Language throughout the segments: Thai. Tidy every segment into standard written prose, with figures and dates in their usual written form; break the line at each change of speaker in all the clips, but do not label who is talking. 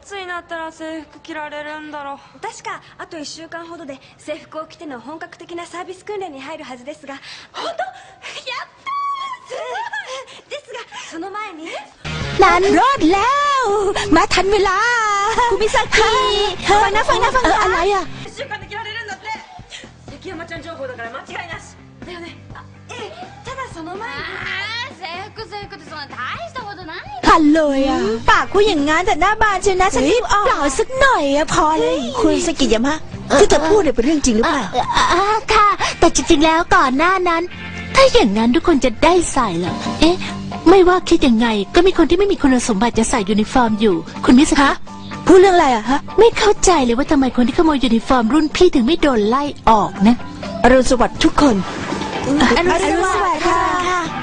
つになったら制服着られるんだろう。
確かあと1週間ほどで制服を着ての本格的なサービス訓練に入るはずですが。本当？やったー！ですがその前に
นั้นรอดแล้วมาทันเวลาคุณมิซากิฟังนะอะไรอ่ะ
1週間で着られるんだって。関山ちゃん情報だから間違いなしだよね。
ただその前に
制服ってそんな大したことない。
ทันเลยอ่ะปากพูดอย่างงั้นแต่หน้าบานเชียวนะฉันรีบออกเปล่าสักหน่อยอะพอเลย
คุณสกิยามะที่เธอพูดเนี่ยเป็นเรื่องจริงหรือเปล่า
ค่ะแต่จริงๆแล้วก่อนหน้านั้นถ้าอย่างนั้นทุกคนจะได้ใส่เหรอเอ๊ะไม่ว่าคิดยังไงก็มีคนที่ไม่มีคุณสมบัติจะใส่ยูนิฟอร์มอยู่คุณมิสคะ
พูดเรื่องอะไรอะฮะ
ไม่เข้าใจเลยว่าทำไมคนที่ขโมยยูนิฟอร์มรุ่นพี่ถึงไม่โดนไล่ออกนะ
อรุณสวัสดิ์ทุกคน
อรุณสวัสดิ์ค่ะ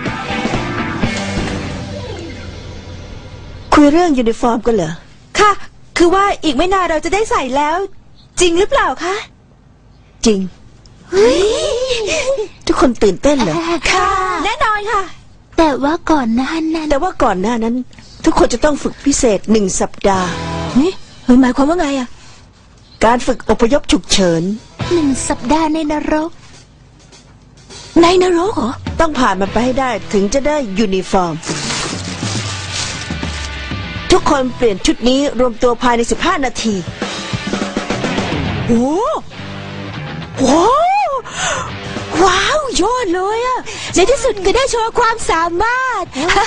คุยเรื่องยูนิฟอร์มกันเหรอ
ค่ะคือว่าอีกไม่นานเราจะได้ใส่แล้ว จริงหรือเปล่าคะ
จริงทุกคนตื่นเต้นเหรอ
ค่ะแน่นอนค่ะแต่ว่าก่อนหน้านั้น
ทุกคนจะต้องฝึกพิเศษ1 สัปดาห์
นี่หมายความว่าไงอะ
การฝึกอพยพฉุกเฉิน
1 สัปดาห์ในนรกเหรอ
ต้องผ่านมันไปให้ได้ถึงจะได้ยูนิฟอร์มทุกคนเปลี่ยนชุดนี้รวมตัวภายใน15 นาที
โอ้ว้าวยอดเลยอะในที่สุดก็ได้โชว์ความสามารถ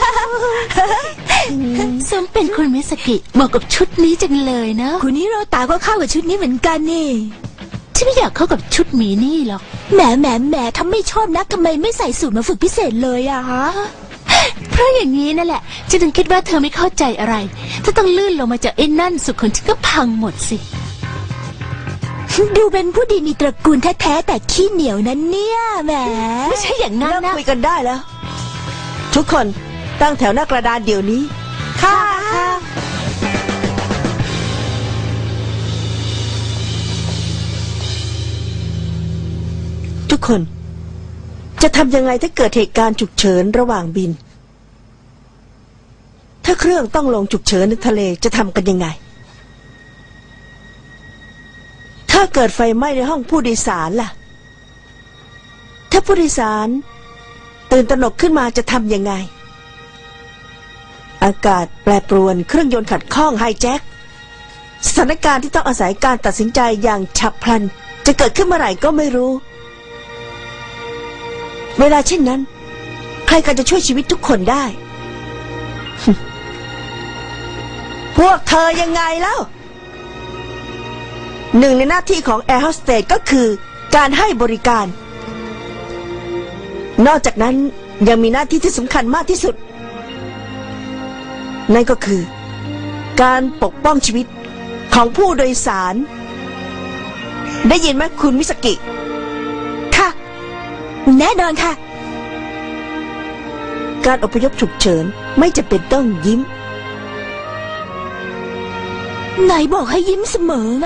สมเป็นคุณมิสกิเหมาะกับชุดนี้จังเลยนะคุณนี่เราตาก็เข้ากับชุดนี้เหมือนกันนี่ฉันไม่อยากเข้ากับชุดหมีนี่หรอกแหมถ้าไม่ชอบนักทำไมไม่ใส่สูทมาฝึกพิเศษเลยอะฮะเพราะอย่างนี้นั่นแหละฉันถึงคิดว่าเธอไม่เข้าใจอะไรถ้าต้องลื่นลงมาจากไอ้นั่นสุดคนฉันก็พังหมดสิดูเป็นผู้ดีมีตระกูลแท้ๆแต่ขี้เหนียวนั้นเนี่ยแหมไม่ใช่อย่างนั้นนะ
คุยกันได้แล้วทุกคนตั้งแถวหน้ากระดานเดี๋ยวนี้
ค่ะ
ทุกคนจะทำยังไงถ้าเกิดเหตุการณ์ฉุกเฉินระหว่างบินถ้าเครื่องต้องลงฉุกเฉินในทะเลจะทำกันยังไงถ้าเกิดไฟไหม้ในห้องผู้โดยสารล่ะถ้าผู้โดยสารตื่นตระหนกขึ้นมาจะทำยังไงอากาศแปรปรวนเครื่องยนต์ขัดข้องไฮแจ็คสถานการณ์ที่ต้องอาศัยการตัดสินใจอย่างฉับพลันจะเกิดขึ้นเมื่อไหร่ก็ไม่รู้เวลาเช่นนั้นใครกันจะช่วยชีวิตทุกคนได้ พวกเธอยังไงแล้วหนึ่งในหน้าที่ของแอร์โฮสเตสก็คือการให้บริการนอกจากนั้นยังมีหน้าที่ที่สำคัญมากที่สุดนั่นก็คือการปกป้องชีวิตของผู้โดยสารได้ยินไหมคุณมิสกิ
ค่ะแน่นอนค่ะ
การอพยพฉุกเฉินไม่จำเป็นต้องยิ้ม
ไหนบอกให้ยิ้มเสมอไง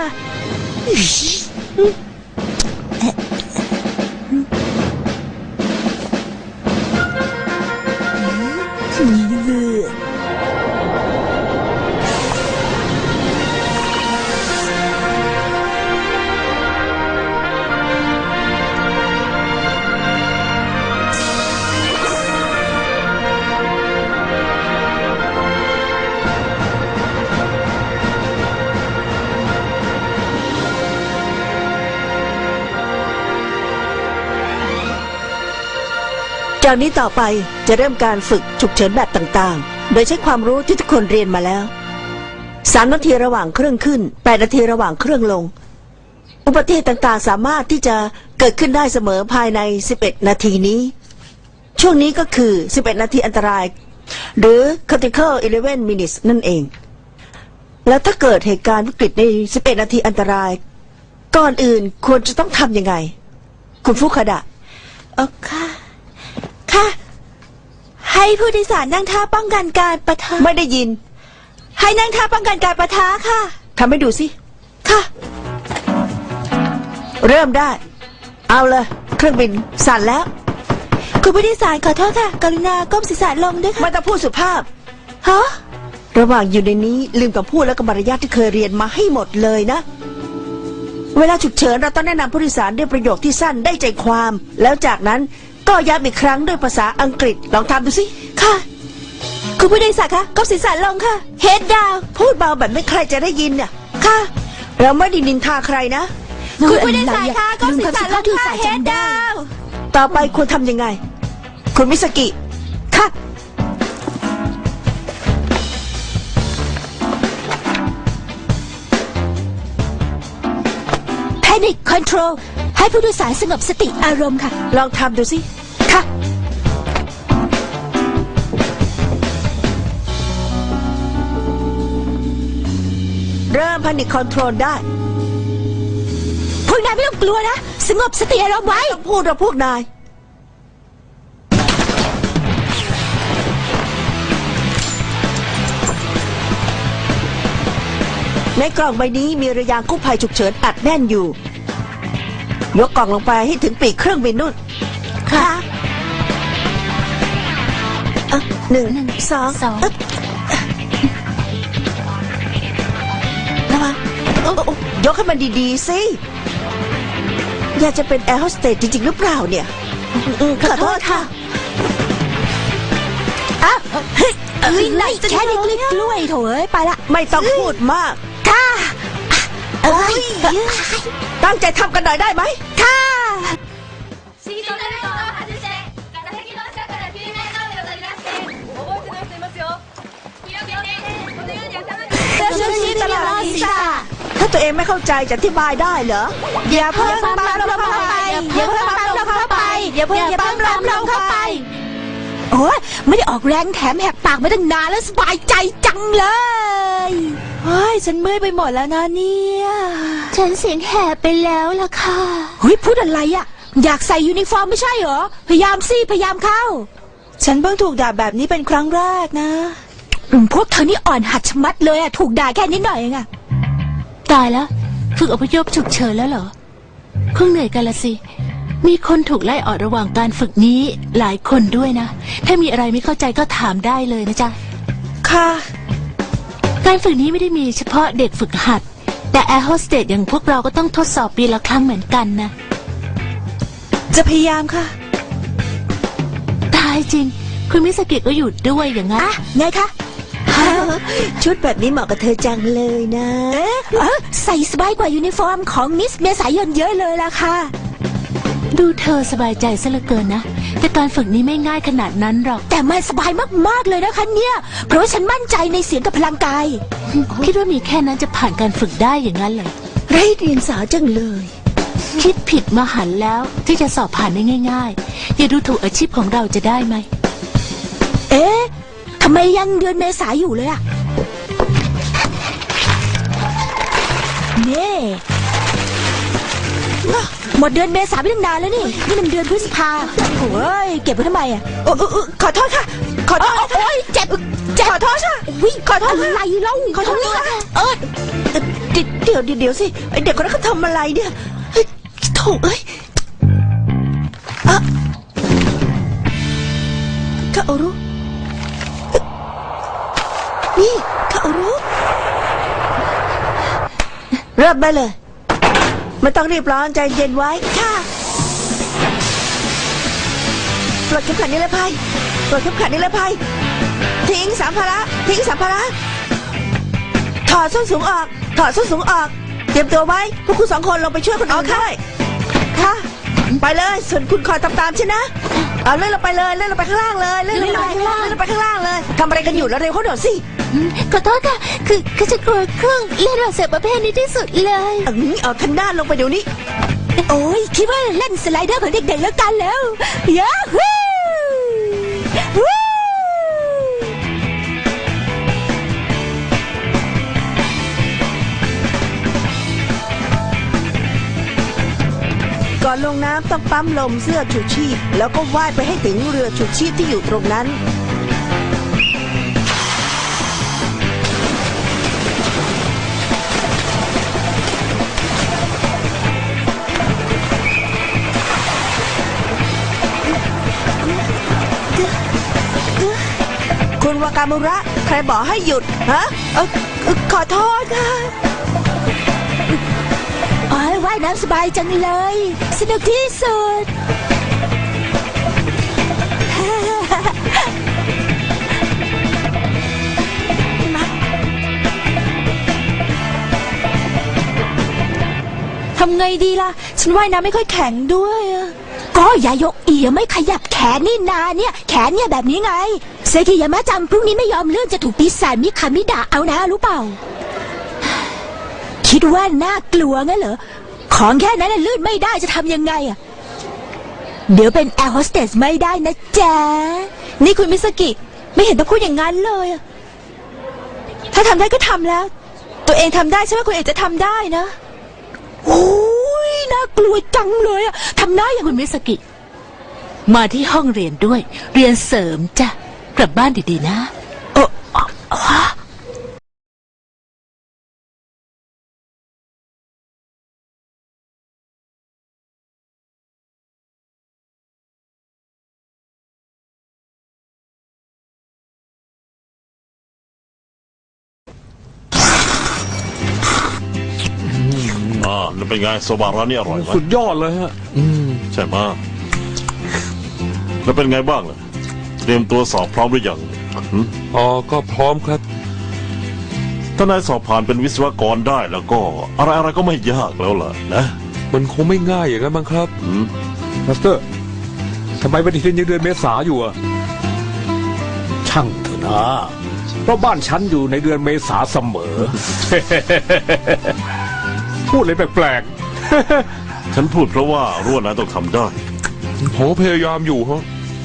จากนี้ต่อไปจะเริ่มการฝึกฉุกเฉินแบบต่างๆโดยใช้ความรู้ที่ทุกคนเรียนมาแล้ว3 นาทีระหว่างเครื่องขึ้น8 นาทีระหว่างเครื่องลงอุบัติเหตุต่างๆสามารถที่จะเกิดขึ้นได้เสมอภายใน11 นาทีนี้ช่วงนี้ก็คือ11 นาทีอันตรายหรือ critical 11 minutes นั่นเองแล้วถ้าเกิดเหตุการณ์วิกฤตใน11 นาทีอันตรายก่อนอื่นควรจะต้องทำยังไงคุณฟุคาดะ
ค่ะให้ผู้โดยสารนั่งท่าป้องกันการปะทะ
ไม่ได้ยิน
ให้นั่งท่าป้องกันการปะทะค่ะ
ทำให้ดูสิ
ค่ะ
เริ่มได้เอาเลยเครื่องบินสั่นแล้ว
คุณผู้โดยสารขอโทษค่ะกรุณาก้มศีรษะลงด้วยค่ะ
ไม่ต้องพูดสุภาพ
ฮะ
ระหว่างอยู่ในนี้ลืมกับพูดและกับมารยาทที่เคยเรียนมาให้หมดเลยนะ เวลาฉุกเฉินเราต้องแนะนำผู้โดยสารด้วยประโยคที่สั้นได้ใจความ แล้วจากนั้นก็ย้ำอีกครั้งด้วยภาษาอังกฤษลองทำดูสิค่ะคุณผู้โดยสารคะก้มศีรษะลงค่ะเฮดดาวพูดเบาแบบไม่ใครจะได้ยินน่ะค่ะเราไม่ได้นินทาใครนะคุณผู้โดยสารคะก้มศีรษะลงค่ะเฮดดาวต่อไปควรทำยังไงคุณมิสกิค่ะ
Panic Control ให้ผู้โดยสารสงบสติอารมณ์ค่ะ
ลองทำดูสิค่ะเริ่ม Panic Control ได้
พวกนายไม่ต้องกลัวนะสงบสติอารมณ์ไว้
ต้องพูดเราพวกนายในกล่องใบนี้มีเรือยางกู้ภัยฉุกเฉินอัดแน่นอยู่ยกกล่องลงไปให้ถึงปีกเครื่องบินนู่นค่ะหนึ่งสองระวังยกให้มันดีๆสิอยากจะเป็นแอร์โฮสเตสจริงๆหรือเปล่าเนี่ยขอโทษค่ะ
แค่นี้กล้วยโถเอ้ยไปละ
ไม่ต้องพูดมาก
ค่ะ
ตั้งใจทำกันหน่อยได้ไหม
ค่ะ
シートベルトを外して座席の下から救命胴衣を取り出して覚えてない人いますよ広げてこのように頭に
ตลอดศีรษะถ้าตัวเองไม่เข้าใจจะอธิบายได้เหรออย่าเพิ่งปั๊มลมเข้าไปอย่าเพิ่งปั๊มลมเข้าไปอย่าเพิ่งปั๊มลมเข้าไป
โอ้ยไม่ได้ออกแรงแถมแหกปากมาตั้งนานแล้วสบายใจจังเลย
เฮ้ยฉันเมื่อยไปหมดแล้วนะเนี่ย
ฉันเสียงแหบไปแล้วล่ะค่ะ
เฮ้ยพูดอะไรอ่ะอยากใส่ยูนิฟอร์มไม่ใช่เหรอพยายามสิพยายามเข้าฉันเพิ่งถูกด่าแบบนี้เป็นครั้งแรกนะ
พวกเธอนี่อ่อนหัดชะมัดเลยอ่ะถูกด่าแค่นิดหน่อยเองอ่ะตายแล้วฝึกอพยพฉุกเฉินแล้วเหรอคงเหนื่อยกันละสิมีคนถูกไล่ออกระหว่างการฝึกนี้หลายคนด้วยนะถ้ามีอะไรไม่เข้าใจก็ถามได้เลยนะจ๊ะ
ค่ะ
การฝึกนี้ไม่ได้มีเฉพาะเด็กฝึกหัดแต่แอร์โฮสเตสอย่างพวกเราก็ต้องทดสอบปีละครั้งเหมือนกันนะ
จะพยายามค่ะ
ตายจริงคุณมิสกิก็อยู่ด้วยอย่างนั้น
ไงคะ
ชุดแบบนี้เหมาะกับเธอจังเลยนะ
ใส่สบายกว่ายูนิฟอร์มของมิสเมษายนเยอะเลยล่ะค่ะดูเธอสบายใจซะเหลือเกินนะแต่การฝึกนี้ไม่ง่ายขนาดนั้นหรอกแต่มันสบายมากๆเลยนะคะเนี่ยเพราะฉันมั่นใจในเสียงกับพลังกายคิดว่ามีแค่นั้นจะผ่านการฝึกได้อย่างนั้นเลย
ไร้เดียงสาจังเลย
คิดผิดมาหันแล้วที่จะสอบผ่านได้ง่ายๆอย่าดูถูกอาชีพของเราจะได้ไหมทำไมยังเดือนเมษาอยู่เลยอะเน่หมดเดือนเมษาไปตั้งนานแล้วนี่มันเดือนพฤษภาโอ้ยเก็บไว้ทำไมอะ
ขอโทษค่ะขอโทษ
โอ้ยเจ็บ
ขอโทษค่ะ
ขอโทษอะไรเล่า
ขอโทษค่ะเดี๋ยวสิเด็กคนนั้นเขาทำอะไรเนี่ยโถ่เอ้ยคาโอรุนี่คาโอรุเริ่มได้เลยไม่ต้องรีบร้อนใจเย็นไว้ค่ะปลดเข็มขัดนิรภัยปลดเข็มขัดนิรภัยทิ้งสัมภาระถอดส้นสูงออกเตรียมตัวไว้พวกคุณ2 คนลงไปช่วยคนอื่นด้วยค่ะไปเลยส่วนคุณคอยตามฉันนะเอาเลื่อนลงไปเลยเลื่อนลงไปข้างล่างเลยเลื่อนลงไปข้างล่างเลยทำอะไรกันอยู่แล้วเร็วเข้าหน่อยสิ
ขอโทษค่ะคือจะกลัวเครื่องเล่นระเบิดประเภทนี้ที่สุดเลย
เอาทันด้านลงไปเดี๋ยวนี้
โอ้ยคิดว่าเล่นสไลเดอร์ของเด็กๆแล้วกันแล้วยาฮู
ก่อนลงน้ำต้องปั๊มลมเสื้อชูชีพแล้วก็ว่ายไปให้ถึงเรือชูชีพที่อยู่ตรงนั้นคุณวากามุระ ใครบอกให้หยุดฮะขอโทษค่ะ
โอ้ยว่ายน้ำสบายจังเลย สนุกที่สุด
ทำไงดีล่ะ ฉันว่ายน้ำไม่ค่อยแข็งด้วยอะ
ก็ยายกอีไม่ขยับแขนนี่นาเนี่ย แขนเนี่ยแบบนี้ไง เซกิยามะจังพรุ่งนี้ไม่ยอมเลื่อนจะถูกปีศาจมิคามิดะเอานะรู้เปล่า คิดว่าน่ากลัวงั้นเหรอ ของแค่นั้นน่ะลื่นไม่ได้จะทำยังไงอะเดี๋ยวเป็นแอร์โฮสเตสไม่ได้นะจ๊ะ
นี่คุณมิสกิไม่เห็นต้องพูดอย่างนั้นเลยอะถ้าทำได้ก็ทำแล้ว ตัวเองทำได้ใช่ไหมคุณเอกจะทำได้นะ
โอ้ยน่ากลัวจังเลยอะทำได้อย่างคุณมิสกิ มาที่ห้องเรียนด้วย เรียนเสริมจ้ะ กลับบ้านดีๆนะฮะ
นั่นเป็นไงโซบะร้านนี้อร่อยไหม
สุดยอดเลยฮะ
ใช่ไหมแล้วเป็นไงบ้างล่ะเตรียมตัวสอบพร้อมหรือยังหืม
อ๋อ ก็พร้อมครับ
ถ้านายสอบผ่านเป็นวิศวกรได้แล้วก็อะไรๆก็ไม่ยากแล้วล่ะนะ
มันคงไม่ง่ายอย่างนั้นมั้งครับ
หืม
มาสเตอร์ทำไมปฏิทินยังเดือนเมษาอยู่อะ
ช่างเถอะนะ เพราะบ้านฉันอยู่ในเดือนเมษาเสมอ
พูดเลยแปลก
ฉันพูดเพราะว่ารู้ว่านายต้องทำได้
ๆผมพยายามอยู่ฮะ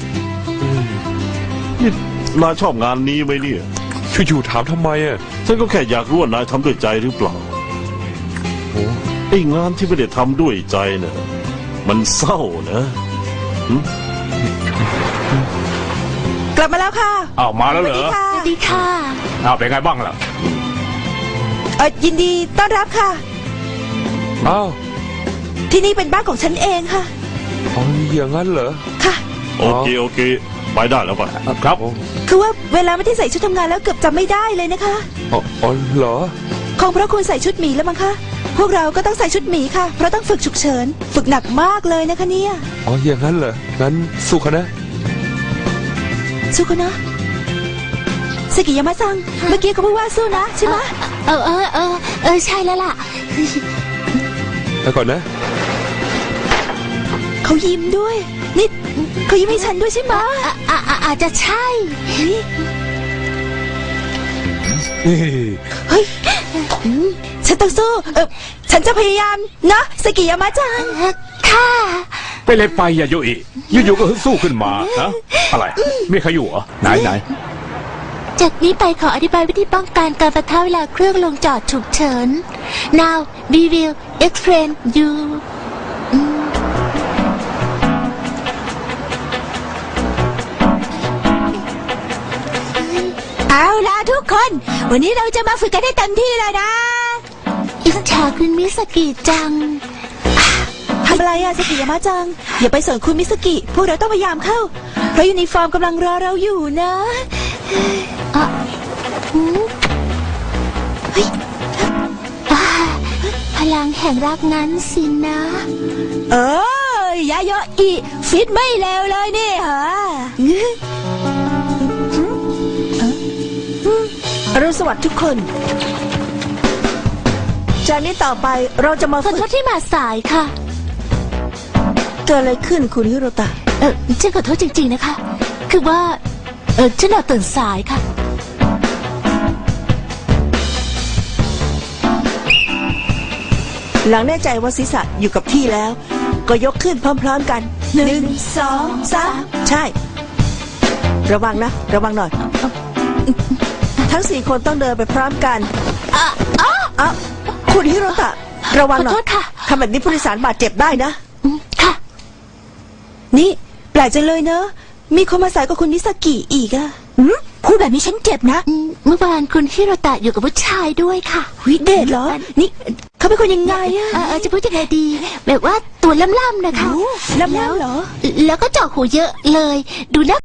นี่นายชอบงานนี้ไหมเนี่ย
ช่วยอยู่ถามทำไมอะ
ฉันก็แค่อยากรู้ว่านายทำด้วยใจหรือเปล่า
โอ้
ไอ้งานที่ไม่ได้ทำด้วยใจเนี่ยมันเศร้านะ
กลับมาแล้วค่ะ
อ้าวมาแล้วเหรอ
ค่ะ
สวัสดีค่ะ
อ้าวเป็นไงบ้างล่ะ
ยินดีต้อนรับค่ะ
อ้าว
ที่นี่เป็นบ้านของฉันเองค่ะ
อ๋ออย่างนั้นเหรอ
ค่ะ
โอเคไปได้แล้วไป
ครับ
คือว่าเวลาไม่ได้ใส่ชุดทำงานแล้วเกือบจำไม่ได้เลยนะคะ
อ๋อเหรอ
คงเพราะคุณใส่ชุดหมีแล้วมั้งคะ พวกเราก็ต้องใส่ชุดหมีค่ะ เพราะต้องฝึกฉุกเฉิน ฝึกหนักมากเลยนะคะเนี่ย
อ๋ออย่างนั้นเหรอ งั้นสู้กันนะ
สู้กันนะสกิยามะซัง เมื่อกี้เขาพูดว่าสู้นะใช่ไหม
ใช่แล้วล่ะ
ไปก่อนนะ
เขายิ้มด้วย นี่เขายิ้มให้ฉันด้วยใช่ไหม
อาจจะใช่
เฮ้ยฉันต้องสู้ ฉันจะพยายามนะสกิยามะจัง
ค่ะ
ไปเลยไปอย่าโยอิอยู่ๆก็ฮึดสู้ขึ้นมาฮะอะไร มีใครอยู่เหรอไหน
จากนี้ไปขออธิบายวิธีป้องกันการประทะเวลาเครื่องลงจอดฉุกเฉิน Now we will explain you เอาล่ะทุกคน วันนี้เราจะมาฝึกกันให้เต็มที่เลยนะ อิจฉาคุณมิสกิจัง
ทำอะไรอะสกิยามะจัง อย่าไปสนคุณมิสกิ พวกเราต้องพยายามเข้า เพราะยูนิฟอร์มกำลังรอเราอยู่นะ
พลังแห่งรักนั้นสินะ
ยาโยอิฟิตไม่เลวเลยนี่ฮะอรุณสวัสดิ์ทุกคน จากนี้ต่อไปเราจะมา
ขอ
ฝึ
โท
ก
ษที่มาสายค่ะ
เกิดอะไรขึ้นคุณฮิโรตะ
ฉันขอโทษจริงๆนะคะ คือว่า ฉันตื่นสายค่ะ
หลังแน่ใจว่าศีรษะอยู่กับที่แล้ว ก็ยกขึ้นพร้อมๆกัน
1 2 3
ใช่ ระวังนะ ระวังหน่อย ทั้ง4คนต้องเดินไปพร้อมกันคุณฮิโรตะ ระวังหน่อ
ขอโท
ย
ษค่ะ
ทำแบบนี้ผู้โดยสารบาดเจ็บได้นะ
ค่ะ
นี่แปลกจังเลยเนอะ มีคนมาสายกับคุณมิสกิอีกอะ
พูดแบบนี้ฉันเจ็บนะ เมื่อวานคุณฮิโรตะอยู่กับผู้ชายด้วยค่ะ
วิเดชเหรอ นี่เขาเป็นคนยังไงอะ
จะพูดยังไงดี แบบว่าตัวล่ำๆนะคะ
ล่ำๆเหรอ
แล้วก็เจาะหูเยอะเลย ดูน่า